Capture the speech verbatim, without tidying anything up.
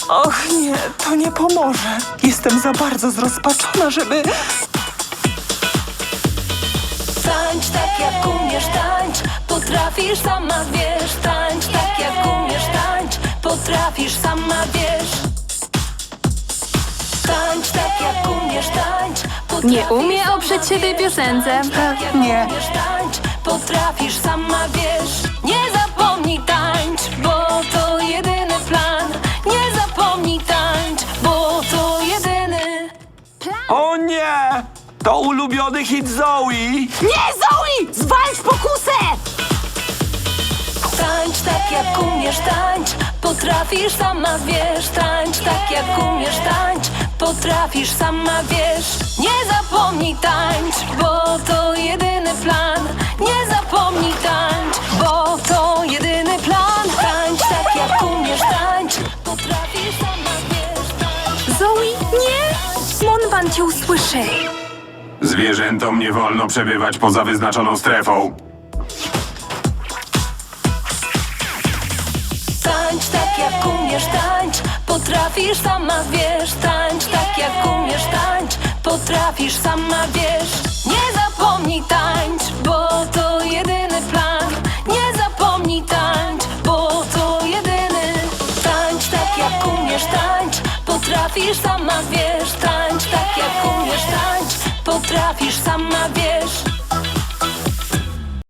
Och nie, to nie pomoże. Jestem za bardzo zrozpaczona, żeby... Tańcz tak jak umiesz, tańcz. Potrafisz, sama wiesz. Tańcz tak jak umiesz, tańcz. Potrafisz, sama wiesz. Tańcz tak jak umiesz, tańcz. Nie umie oprzeć się tej piosence. Nie. Umiesz, tańcz. Potrafisz, sama wiesz. Nie zapomnij tańcz, bo to jedyny plan. Nie zapomnij tańcz, bo to jedyny. O nie! To ulubiony hit Zoe! Nie, Zoe! Zwalcz pokusę! Tańcz tak jak umiesz, tańcz. Potrafisz, sama wiesz. Tańcz tak jak umiesz, tańcz. Potrafisz, sama wiesz. Nie zapomnij tańcz, bo to jedyny plan. Nie zapomnij tańcz, bo to jedyny plan. Tańcz tak jak umiesz, tańcz. Potrafisz, sama wiesz. Tańcz. Zoe, nie! Monban cię usłyszy. Zwierzętom nie wolno przebywać poza wyznaczoną strefą. Tańcz tak jak umiesz, tańcz. Potrafisz, sama wiesz. Tańcz tak jak umiesz, tańcz. Potrafisz, sama wiesz. Nie zapomnij tańcz, bo to jedyny plan. Nie zapomnij tańcz, bo to jedyny. Tańcz tak jak umiesz, tańcz. Potrafisz, sama wiesz. Tańcz tak jak umiesz, tańcz. Potrafisz, sama wiesz.